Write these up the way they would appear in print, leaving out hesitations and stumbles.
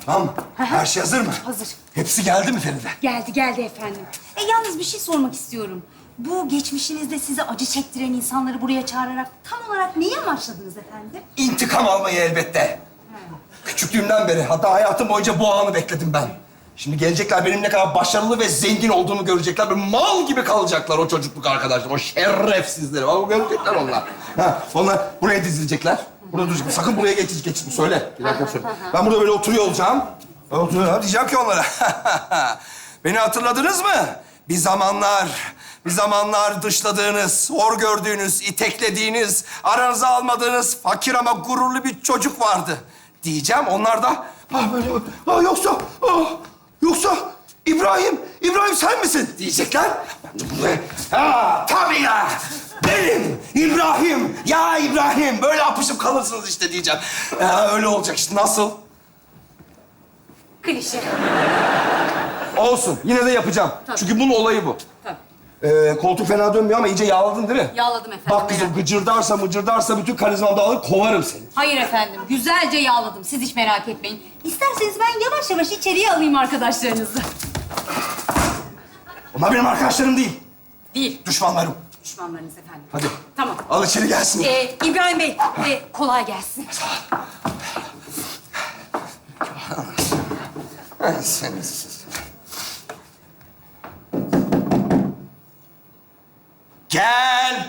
Tamam mı? Her şey hazır mı? Hazır. Hepsi geldi mi Feride? Geldi efendim. Yalnız bir şey sormak istiyorum. Bu geçmişinizde size acı çektiren insanları buraya çağırarak tam olarak neyi amaçladınız efendim? İntikam almayı elbette. Küçüklüğümden beri, hatta hayatım boyunca bu anı bekledim ben. Şimdi gelecekler, benim ne kadar başarılı ve zengin olduğumu görecekler. Böyle mal gibi kalacaklar o çocukluk arkadaşlar, o şerefsizleri. Ama görecekler onlar. Onlar buraya dizilecekler. Burada duracaklar. Sakın buraya geçin. Söyle. Bir dakika söyle. Ben burada böyle oturuyor olacağım. Ben oturuyorum. Diyeceğim ki onlara. Beni hatırladınız mı? Bir zamanlar dışladığınız, hor gördüğünüz, iteklediğiniz, aranıza almadığınız fakir ama gururlu bir çocuk vardı. Diyeceğim. Onlar da böyle yoksa İbrahim sen misin diyecekler. Ben de buraya tabii ya. Benim İbrahim. Ya İbrahim. Böyle apışıp kalırsınız işte diyeceğim. Öyle olacak işte. Nasıl? Klişe. Olsun. Yine de yapacağım. Tabii. Çünkü bunun olayı bu. Tabii. Koltuk fena dönmüyor ama iyice yağladın değil mi? Yağladım efendim. Bak kızım, mıcırdarsa bütün karizmamı da alır, kovarım seni. Hayır efendim. Güzelce yağladım. Siz hiç merak etmeyin. İsterseniz ben yavaş yavaş içeriye alayım arkadaşlarınızı. Onlar benim arkadaşlarım değil. Değil. Düşmanlarım. Düşmanlarınız efendim. Hadi. Tamam. Al içeri gelsin. İbrahim Bey, kolay gelsin. Gel.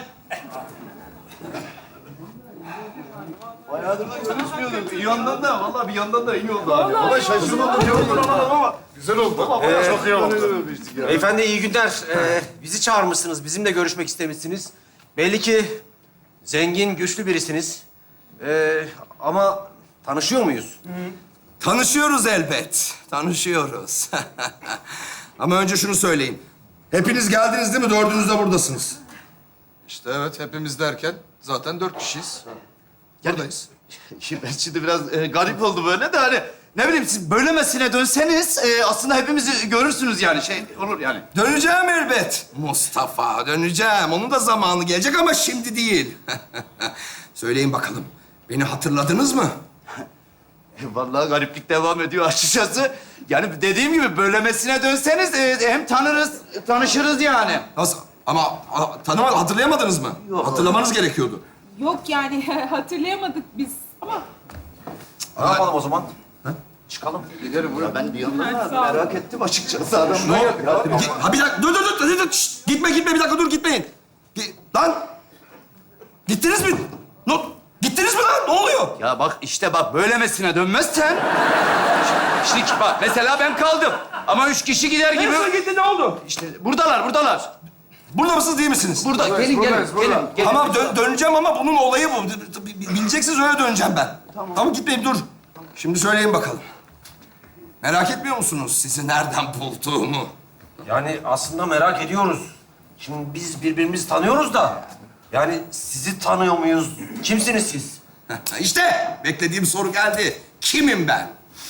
Bayağıdır da görüşmüyorduk. Bir yandan da, vallahi bir yandan da iyi oldu abi. Vallahi şaşırmadım, iyi oldu ama güzel oldu. Çok iyi oldu. Beyefendi iyi günler. Bizi çağırmışsınız, bizimle görüşmek istemişsiniz. Belli ki zengin, güçlü birisiniz. Ama tanışıyor muyuz? Tanışıyoruz elbet. Tanışıyoruz. Ama önce şunu söyleyeyim. Hepiniz geldiniz değil mi? Dördünüz de buradasınız. İşte evet, hepimiz derken zaten 4 kişiyiz. Buradayız. Şimdi biraz garip oldu böyle de hani ne bileyim siz böylemesine dönseniz aslında hepimizi görürsünüz yani şey olur yani. Döneceğim elbet. Mustafa, döneceğim. Onun da zamanı gelecek ama şimdi değil. Söyleyin bakalım. Beni hatırladınız mı? Vallahi gariplik devam ediyor açıkçası. Yani dediğim gibi böylemesine dönseniz hem tanışırız yani. Nasıl? Ama hatırlayamadınız mı? Yok. Hatırlamanız gerekiyordu. Yok yani hatırlayamadık biz ama Ne yapalım o zaman? Çıkalım. Giderim buraya. Ben bir yandan da sağ ol. merak ettim açıkçası adamı. Ne oldu? Bir dakika, dur. Şşt, gitme, bir dakika dur, gitmeyin. Lan! Gittiniz mi? Gittiniz mi lan? Ne oluyor? Ya bak işte bak böylemesine dönmezsen... Şimdi bak mesela ben kaldım. Ama 3 kişi gider gibi... Neresi gitti, ne oldu? İşte buradalar. Burada mısınız, değil misiniz? Burada. Gelin. Tamam, döneceğim ama bunun olayı bu. Bileceksiniz, öyle döneceğim ben. Tamam, gitmeyin, dur. Şimdi söyleyin bakalım. Merak etmiyor musunuz sizi nereden bulduğumu? Yani aslında merak ediyoruz. Şimdi biz birbirimizi tanıyoruz da... Yani sizi tanıyor muyuz? Kimsiniz siz? İşte beklediğim soru geldi. Kimim ben?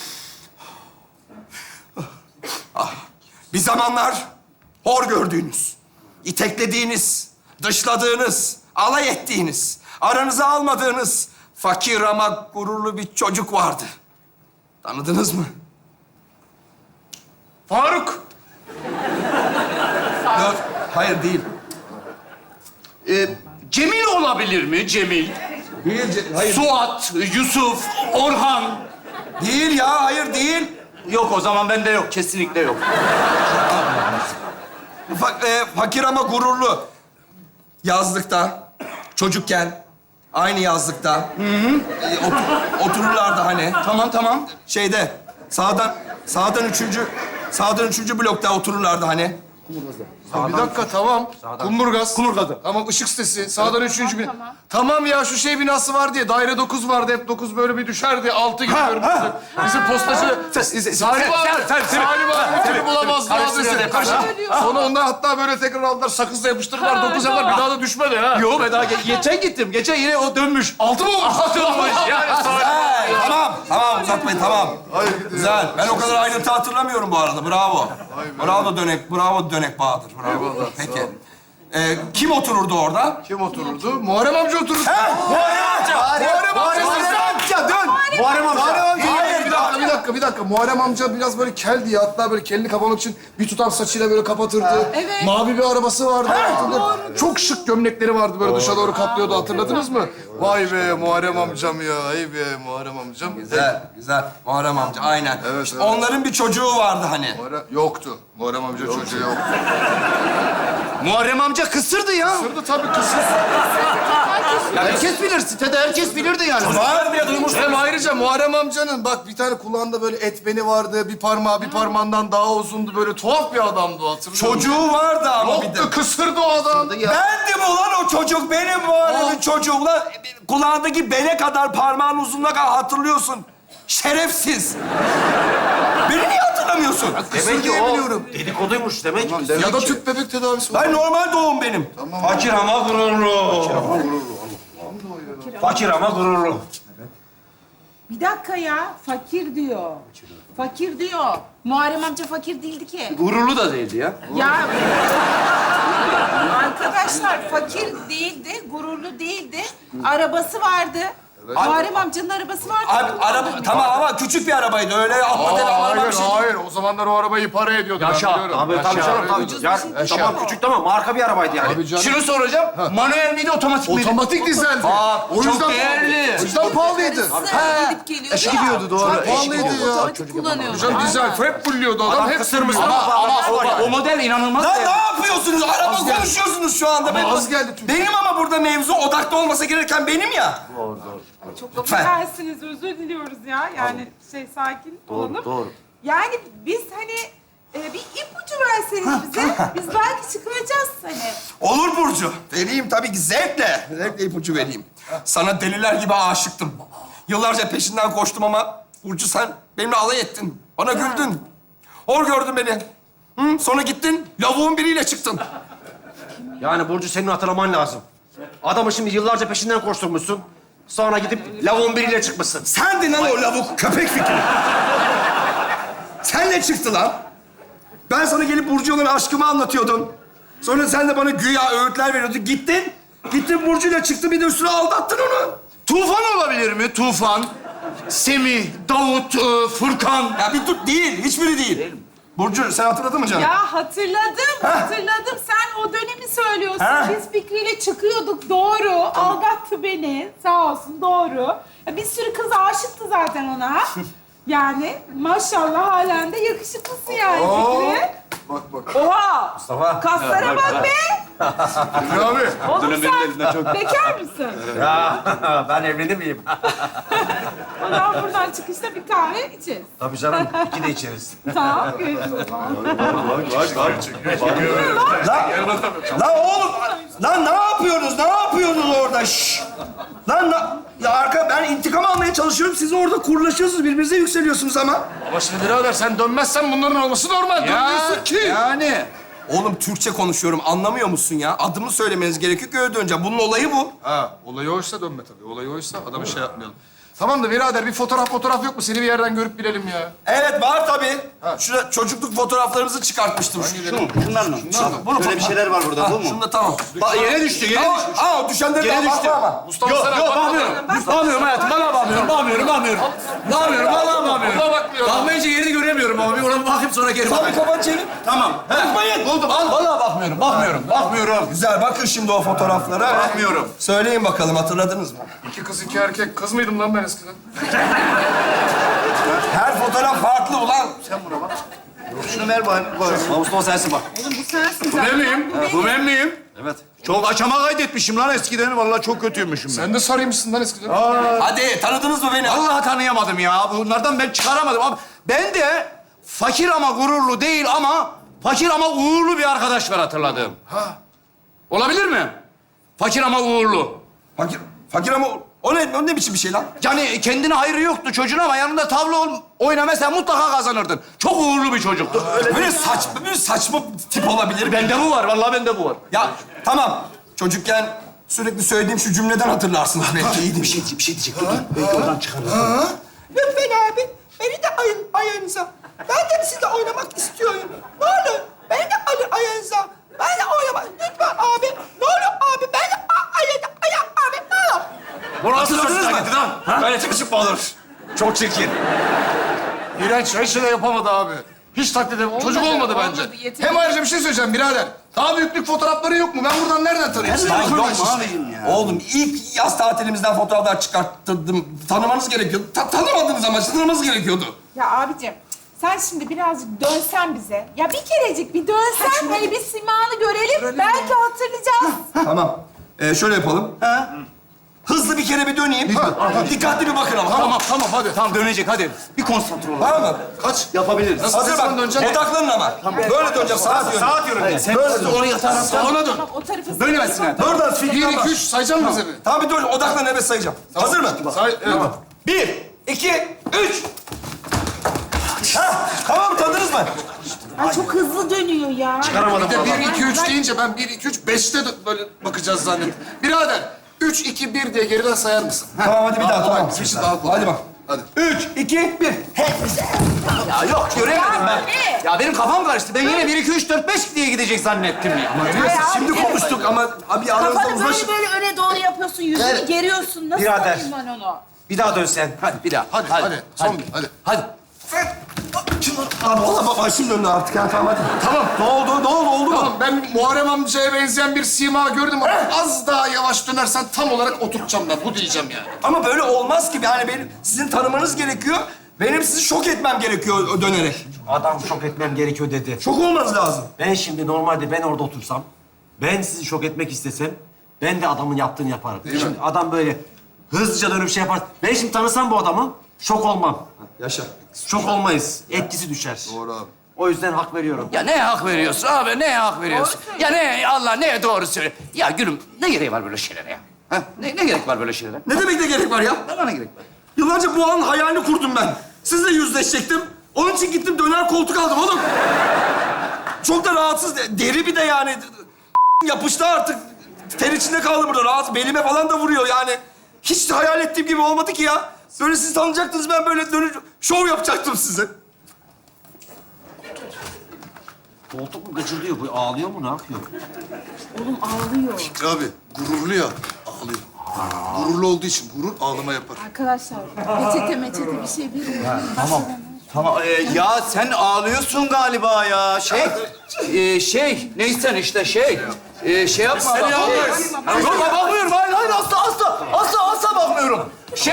Bir zamanlar hor gördüğünüz, iteklediğiniz, dışladığınız, alay ettiğiniz, aranıza almadığınız fakir ama gururlu bir çocuk vardı. Tanıdınız mı? Faruk. Yok, hayır değil. Cemil olabilir mi Cemil? Değil, hayır. Suat, Yusuf, Orhan. Değil ya, hayır değil. Yok o zaman bende yok. Kesinlikle yok. Fakir ama gururlu. Yazlıkta, çocukken, aynı yazlıkta. Otururlardı hani. Tamam. Şeyde, sağdan üçüncü blokta otururlardı hani. Bir dakika, tamam. Kumburgaz. Tamam, ışık sitesi. Sağdan 3. bin. Tamam ya, şu şey binası var diye. Daire 9 vardı. Hep 9 böyle bir düşerdi. 6 gidiyorum. Bizim postacı... Salim abi. Seni bulamazdı adresi. Sonra onlar hatta böyle tekrar aldılar. Sakızla yapıştırdılar. 9 yaptılar. Bir daha da düşmedi ha. Yo ben daha geçen gittim. Geçen yine o dönmüş. 6 mı olmuş? 6 olmuş. Yani Tamam uzatmayın, tamam. Güzel. Ben o kadar ayrıntı hatırlamıyorum bu arada. Bravo. Bravo Dönek Bahadır. Bravo. Peki. Kim otururdu orada? Kim otururdu? Muharrem amca otururdu. Muharrem amca dön. Muharrem amca. Hayır, bir bir dakika. Muharrem amca biraz böyle keldi ya. Hatta böyle kelini kapamak için bir tutam saçıyla böyle kapatırdı. Evet. Mavi bir arabası vardı. Hatırlıyorum. Çok şık gömlekleri vardı böyle dışa doğru katlıyordu. Hatırladınız mı? Vay be Muharrem amcam ya. Ay be Muharrem amcam. Güzel, güzel. Muharrem amca, aynen. Evet, İşte evet. onların bir çocuğu vardı hani. Yoktu. Muharrem amca çocuğu yoktu. Muharrem amca kısırdı ya. Sırdı tabii kısır. Herkes bilir. Sitede herkes bilirdi yani. Var bile duymuş. Hem ayrıca Muharrem amcanın bak bir tane kulağında böyle et beni vardı. Bir parmağı bir parmağından daha uzundu. Böyle tuhaf bir adamdı o, hatırlıyor musun? Çocuğu vardı ama bir de. Yoktu, kısırdı o adam. Bendim ulan o çocuk, benim Muharrem'in çocuğu. Ulan kulağındaki bele kadar, parmağın uzunluğuna kadar hatırlıyorsun. Şerefsiz. Beni niye hatırlamıyorsun? Demek ki diye o biliyorum. dedikoduymuş demek. Ya da tüp bebek tedavisi var. Ben normal doğum benim. Fakir ama gururlu. Fakir ama gururlu. Bir dakika ya. Fakir diyor. Fakir diyor. Muharrem amca fakir değildi ki. Gururlu da değildi ya. Ya arkadaşlar fakir değildi, gururlu değildi. Arabası vardı. Muharrem amcanın arabası vardı. Abi araba tamam ama küçük bir arabaydı. Öyle atla deve araba Hayır, bir şey. hayır. O zamanlar o arabayı para ediyordu. ben Yaşa. biliyorum. Tabii tabii Yaşa. canım tabii. Ya, tamam küçük tamam marka bir arabaydı yani. Tabii canım. Şunu soracağım. Manuel miydi, otomatik miydi? Otomatik dizeldi. Aa, O çok yüzden değerli. O yüzden pahalıydı. Gidip geliyordu Eşi ya. gidiyordu doğru. Çok pahalıydı ya. Otomatik kullanıyordu. Hocam dizel hep fulluyordu adam. Adam Hep kısırmış fulluyordu. ama O model inanılmaz Lan değerli. ne yapıyorsunuz? Araba Az geldi. konuşuyorsunuz şu anda. Ama az geldi Türk. Benim ama burada mevzu odakta olmasa gereken benim ya. Çok Lütfen. affedersiniz, özür diliyoruz ya. Yani sakin olalım. doğru. Yani biz hani bir ipucu verseniz bize, biz belki çıkaracağız hani. Olur Burcu. Vereyim tabii ki zevkle. Zevkle ipucu vereyim. Sana deliler gibi aşıktım. Yıllarca peşinden koştum ama Burcu sen benimle alay ettin. Bana güldün. Hor gördün beni. Hı? Sonra gittin, lavuğun biriyle çıktın. Yani Burcu senin hatırlaman lazım. Adamı şimdi yıllarca peşinden koşturmuşsun. Sonra gidip lavuğun biriyle çıkmışsın. Sendin lan o lavuk, köpek fikri. Senle çıktı lan. Ben sana gelip Burcu'ya olan aşkımı anlatıyordum. Sonra sen de bana güya öğütler veriyordun. Gittin Burcu'yla çıktı, bir de üstüne aldattın onu. Tufan olabilir mi? Tufan, Semih, Davut, Furkan. Ya bir dur, değil, hiçbiri değil. Burcu, sen hatırladın mı canım? Ya hatırladım. Sen o dönemi söylüyorsun. Ha? Biz Fikri'yle çıkıyorduk, doğru. Aldattı beni, sağ olsun, doğru. Ya bir sürü kız aşıktı zaten ona. Yani maşallah halen de yakışıklısın yani Fikri. Bak. Oha! Mustafa. Kaslara bak be! Fikri abi. Oğlum sen bekar mısın? Ben evlenir miyim? O zaman buradan çıkışta bir kahve içeriz. Tabii canım. İki de içeriz. Tamam, görüşürüz o zaman. Lan oğlum, lan ne yapıyorsunuz? Ne yapıyorsunuz orada? Şşş! Lan ya ben intikam almaya çalışıyorum. Siz orada kurlaşıyorsunuz, birbirinize yükseliyorsunuz ama. Ama şimdi birader sen dönmezsen bunların olması normal. Dönmüyorsun ki. Yani. Oğlum Türkçe konuşuyorum, anlamıyor musun ya? Adımı söylemeniz gerekiyor ki öyle döneceğim. Bunun olayı bu. Ha, olayı oysa dönme tabii. Olayı oysa adamı şey yapmayalım. Tamam da birader bir fotoğraf yok mu? Seni bir yerden görüp bilelim ya. Evet, var tabii. Şurada çocukluk fotoğraflarımızı çıkartmıştım. Şunlar mı? Şöyle bir şeyler var burada, bu mu? Şunda tamam. Bak yere düştü, yere düştü. Aa, düşenleri Yere daha düştü. bakma ama. Mustafa sana bak. Bakmıyorum hayatım. Valla bakmıyorum. Bakmıyorum. Valla bakmıyorum. Buna bakmıyor. Bakmayınca yerini göremiyorum ama bir ona bir bakayım sonra geri Tabii bakayım. kafanı çevir. Tamam. Bakmayın. Buldum. Al. Valla bakmıyorum. Güzel, bakın şimdi o fotoğraflara. Bakmıyorum. Söyleyin bakalım, hatırladınız mı? 2 kız 2 erkek. Kız mıydım lan ben eskiden? Her fotoğraf farklı ulan. Şunu ver bana. Mustafa sensin bak. Oğlum bu sensin. Bu ben miyim? Bu ben miyim? Evet. Çok aşama kaydetmişim lan eskiden. Vallahi çok kötüymüşüm ben. Sen de sarıymışsın lan eskiden. Hadi, tanıdınız mı beni? Vallahi tanıyamadım ya. Bunlardan ben çıkaramadım. Ama ben de fakir ama gururlu değil ama fakir ama uğurlu bir arkadaş var hatırladığım. Ha. Olabilir mi? Fakir ama uğurlu. Fakir ama o ne biçim bir şey lan? Yani kendine hayrı yoktu çocuğun ama yanında tavla oyna mesela mutlaka kazanırdın. Çok uğurlu bir çocuktu. Böyle saçma tip olabilir. Bende bu var. Vallahi bende bu var. Ya tamam, çocukken sürekli söylediğim şu cümleden hatırlarsınız belki. İyiydi bir şey. Bir şey diyecek. Dur. Belki oradan çıkarız. Lütfen abi, beni de alın ayağınıza. Ben de sizinle oynamak istiyorum. Ne olur, beni de alın ayağınıza. Ben de oynamak, lütfen abi. Ne olur abi, ben de ayak abi, ne olur. Bu nasıl Hatırladınız çocuk mı? hareketi lan? Böyle çıkışıp mı olur? Çok çirkin. İğrenç. Hiç şey de yapamadı abi. Hiç taklit edemem. Çocuk olmadı bence. yeter. Hem ayrıca bir şey söyleyeceğim birader. Daha büyüklük fotoğrafları yok mu? Ben buradan nereden tanıyayım? Lan yok Arkadaş. abicim ya. Oğlum ilk yaz tatilimizden fotoğraflar çıkarttırdım. Tanımanız gerekiyordu. Tanımadınız ama tanımanız gerekiyordu. Ya abicim sen şimdi birazcık dönsen bize. Ya bir kerecik bir dönsen hani bir simanı görelim. Belki hatırlayacağız. Tamam. Şöyle yapalım. Hızlı bir kere bir döneyim. Dikkatli bir bakın ama. Tamam hadi. Tamam dönecek hadi. Bir konsantre olalım. Tamam mı? Kaç? Yapabiliriz. Nasıl Hazır sen bak. döneceksin? Odaklanın ama. Böyle döneceğim. Sağa döneceğim. Saat yönünde. Sen böyle onu yatağa Salona dön. Tamam o tarafa. Dönemezsin yani. Oradan 1, figürden 2, bak. 3 sayacak mısın bize bir? Tamam bir dur. Odaklan evet sayacağım. Hazır mı? Say, evet. 1, 2, 3. Tamam tanıdınız mı? Ay çok hızlı dönüyor ya. Bir de 1, 2, 3 deyince ben 1, 2, 3, 5'te de böyle bakacağız zannettim. Birader, 3, 2, 1 diye geriden sayar mısın? Tamam hadi bir daha tamam. Bir şey daha kolay. Hadi bak. Hadi. 3, 2, 1. Ya yok göremedim ben. ne? Ya benim kafam karıştı. Ben yine 1, 2, 3, 4, 5 diye gidecek zannettim ya. Şimdi konuştuk ama abi aranızda Kafanı uzlaş. böyle öne doğru yapıyorsun, yüzünü geriyorsun. Nasıl Birader. yapayım ben onu? Bir daha dönsen. Hadi bir daha. Hadi. Son bir, hadi. Hadi. Abi valla başım döndü artık ya tamam hadi. Tamam. Ne oldu mu? Tamam, ben Muharrem amcaya benzeyen bir sima gördüm ama az daha yavaş dönersen tam olarak oturtacağım ben. Bu diyeceğim yani. Ama böyle olmaz ki. Yani benim sizin tanımanız gerekiyor. Benim sizi şok etmem gerekiyor dönerek. Adam şok etmem gerekiyor dedi. Şok olmanız lazım. Ben şimdi normalde ben orada otursam, ben sizi şok etmek istesem, ben de adamın yaptığını yaparım. Şimdi adam böyle hızlıca dönüp şey yapar. Ben şimdi tanısam bu adamı, şok olmam. Yaşa. Şok olmayız. Etkisi düşer. Doğru abi. O yüzden hak veriyorum. Ya neye hak veriyorsun abi? Neye hak veriyorsun? Ya ne Allah neye doğru söyle. Ya gülüm ne gereği var böyle şeylere ya? Ha? Ne gerek var böyle şeylere? Ne demek ne gerek var ya? Bana ne gerek var? Yıllarca bu anın hayalini kurdum ben. Sizle yüzleşecektim. Onun için gittim döner koltuk aldım oğlum. Çok da rahatsız. Deri bir de yani. Yapıştı artık. Ter içinde kaldı burada. Rahat. Belime falan da vuruyor yani. Hiç de hayal ettiğim gibi olmadı ki ya. Böyle siz tanıyacaktınız. Ben böyle dönüp şov yapacaktım size. Koltuk mu gıcırdıyor? Bu ağlıyor mu? Ne yapıyor? Oğlum ağlıyor. Abi, gururlu ya, ağlıyor. Gururlu olduğu için gurur ağlama yapar. Arkadaşlar meçete bir şey bilmiyorum. Tamam. Ya sen ağlıyorsun galiba ya. Neysen işte şey yapma. Seni bak, yalnız. Yok bakmıyorum. Hayır asla bakmıyorum.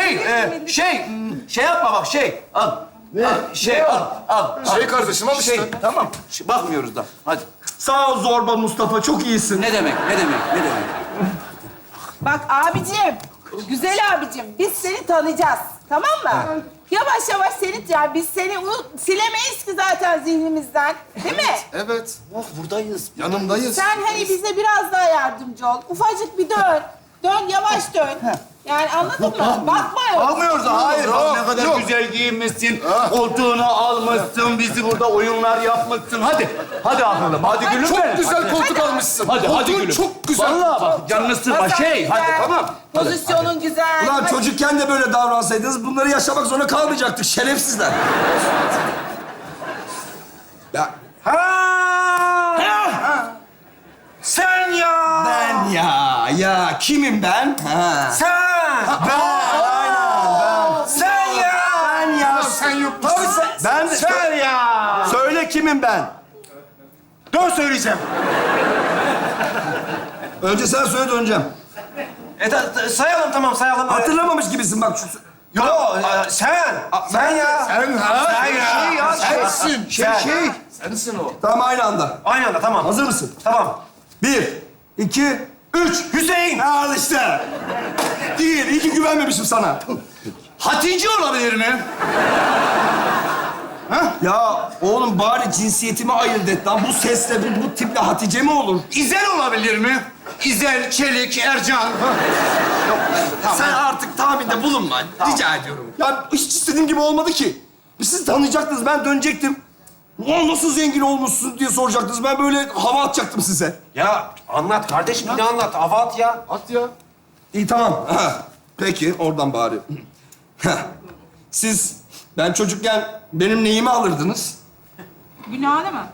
Şey yapma bak al. Al. Şey kardeşim al işte. Tamam. Bakmıyoruz da. Hadi. Sağ ol Zorba Mustafa. Çok iyisin. Ne demek? Bak abicim, güzel abicim, biz seni tanıyacağız, tamam mı? Yavaş yavaş yani biz seni silemeyiz ki zaten zihnimizden, değil mi? Evet. Buradayız. Yanımdayız. Sen hani bize biraz daha yardımcı ol. Ufacık bir dön, yavaş dön. Yani anladın mı? Bakma yok. Bakmıyoruz da. Hayır. Bak ne kadar Yok. güzel giyinmişsin. Koltuğunu almışsın. Bizi burada oyunlar yapmışsın. Hadi akıllım. Hadi gülüm Çok benim. güzel koltuk almışsın. Hadi Koltuğun gülüm. çok güzel. Vallahi bak canını sıkma. Masan Hadi güzel, tamam. Pozisyonun güzel. Ulan Hadi. çocukken de böyle davransaydınız bunları yaşamak zorunda kalmayacaktık. Şerefsizler. Ya Sen ya! ben ya kimim ben? Ha. Sen! Sen ya. Ben ya. Ya sen yok musun? Ben Sen ya! Söyle kimim ben? Dön söyleyeceğim. Önce sen söyle döneceğim. Sayalım tamam sayalım. Hatırlamamış gibisin bak şu. Yo, sen! Sen ya! Sen ha? Sen ya! Sensin. Şey. Sensin o. Tamam aynı anda. Aynı anda tamam. Hazır mısın? Tamam. 1, 2, 3. Hüseyin! Al işte. Değil. İyi ki güvenmemişim sana. Hatice olabilir mi? Ya oğlum bari cinsiyetimi ayırt et lan. Bu sesle, bu tiple Hatice mi olur? İzel olabilir mi? İzel, Çelik, Ercan. Sen artık tahminde bulunma. Rica ediyorum. Ya hiç istediğim gibi olmadı ki. Siz tanıyacaktınız, ben dönecektim. Ulan nasıl zengin olmuşsun diye soracaktınız. Ben böyle hava atacaktım size. Ya anlat kardeşim bir de anlat. Hava at ya. At ya. İyi tamam. Peki oradan bari. Siz, ben çocukken benim neyimi alırdınız? Günah değil mi?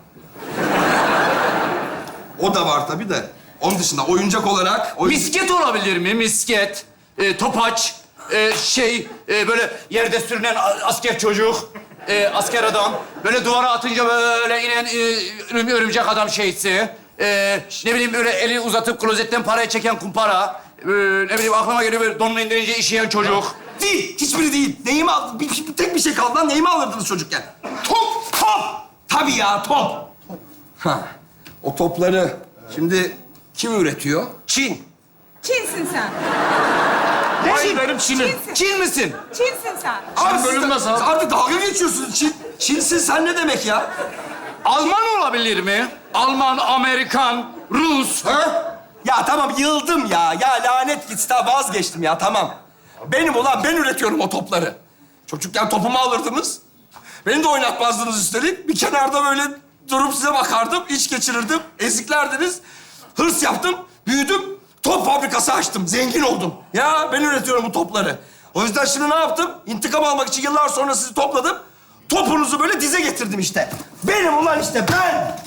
O da var tabii de. Onun dışında oyuncak olarak... Misket olabilir mi? Misket, topaç, böyle yerde sürünen asker çocuk. asker adam. Böyle duvara atınca böyle inen örümcek adam şeysi. Ne bileyim öyle eli uzatıp klozetten parayı çeken kumpara. Ne bileyim aklıma geliyor böyle donunu indirince işeyen çocuk. Değil, hiçbiri değil. Neyimi al... tek bir şey kaldı lan. Neyimi alırdınız çocukken? Top, top! Tabii ya, top. Ha, o topları şimdi kim üretiyor? Çin. Çinsin sen. Hayır benim Çin'im. Çinsin. Çin misin? Çinsin sen. Abi bölünmez siz abi. Artık dalga geçiyorsunuz. Çinsin sen ne demek ya? Alman olabilir mi? Alman, Amerikan, Rus. Ha? Ya tamam yıldım ya. Ya lanet gitsin. Ha, vazgeçtim ya tamam. Benim ulan ben üretiyorum o topları. Çocukken topumu alırdınız. Beni de oynatmazdınız üstelik. Bir kenarda böyle durup size bakardım. İç geçirirdim. Eziklerdiniz. Hırs yaptım. Büyüdüm. Top fabrikası açtım. Zengin oldum. Ya ben üretiyorum bu topları. O yüzden şimdi ne yaptım? İntikam almak için yıllar sonra sizi topladım. Topunuzu böyle dize getirdim işte. Benim ulan işte ben.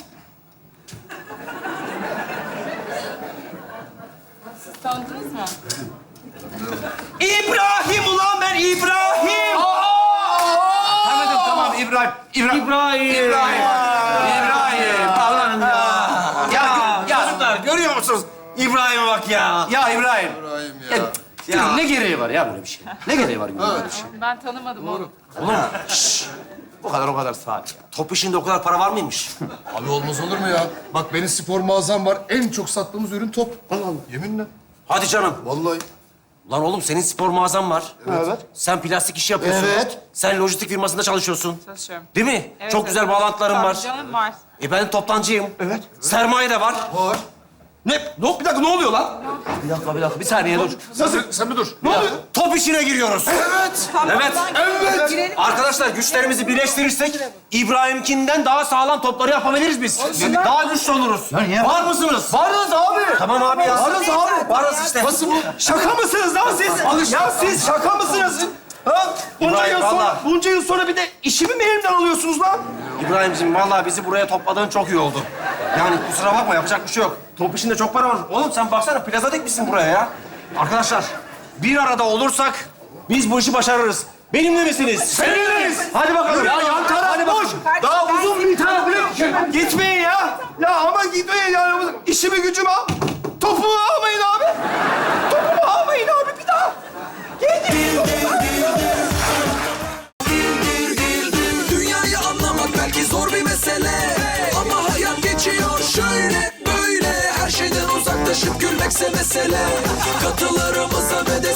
Tanıdınız mı? İbrahim ulan ben İbrahim. Tanıdım tamam İbrahim. İbrahim. Allah'ım ya. Çocuklar görüyor musunuz? İbrahim'e bak ya. Ya İbrahim. Ya. Ne gereği var ya böyle bir şey? Ne gereği var böyle bir şey? Ben tanımadım onu. O kadar saat ya. Top işinde o kadar para var mıymış? Abi olmaz olur mu ya? Bak benim spor mağazam var. En çok sattığımız ürün top. Allah Allah. Yeminle. Hadi canım. Vallahi. Lan oğlum senin spor mağazan var. Evet. Sen plastik işi yapıyorsun. Evet. Sen lojistik firmasında çalışıyorsun. Çalışıyorum. Değil mi? Evet, Çok evet. güzel bağlantıların Tabii var. canım var. Ben toptancıyım. Evet. Sermaye de var. Var. Bir dakika ne oluyor lan? Bir dakika. Bir saniye dur. Sen bir dur. Ne oluyor? Top işine giriyoruz. Evet. Evet. Evet. Girelim. Arkadaşlar güçlerimizi birleştirirsek İbrahim'inden daha sağlam topları yapabiliriz biz. Daha güçlü oluruz. Var mısınız? Varız abi. Tamam abi ya. Varız abi. Varız işte. Nasıl bu? Şaka mısınız lan siz? Ya siz şaka mısınız? Ha? İbrahim, vallahi. Bunca yıl sonra bir de işimi mi elimden alıyorsunuz lan? İbrahim'cim vallahi bizi buraya topladığın çok iyi oldu. Yani kusura bakma yapacak bir şey yok. Top işinde çok para var. Oğlum sen baksana plaza dikmişsin buraya ya. Arkadaşlar bir arada olursak biz bu işi başarırız. Benimle misiniz? Seninleyiz. Hadi bakalım. Ya yan taraf boş. Daha uzun bir tane bile gitmeyin ya. Ya ama gitmeyin ya. İşimi gücümü al. Topumu almayın abi. Topumu almayın abi bir daha. Dünyayı anlamak belki zor bir mesele, ama hayat geçiyor şöyle böyle. Her şeyden uzaklaşıp gülmekse mesele. Katılarımıza ve de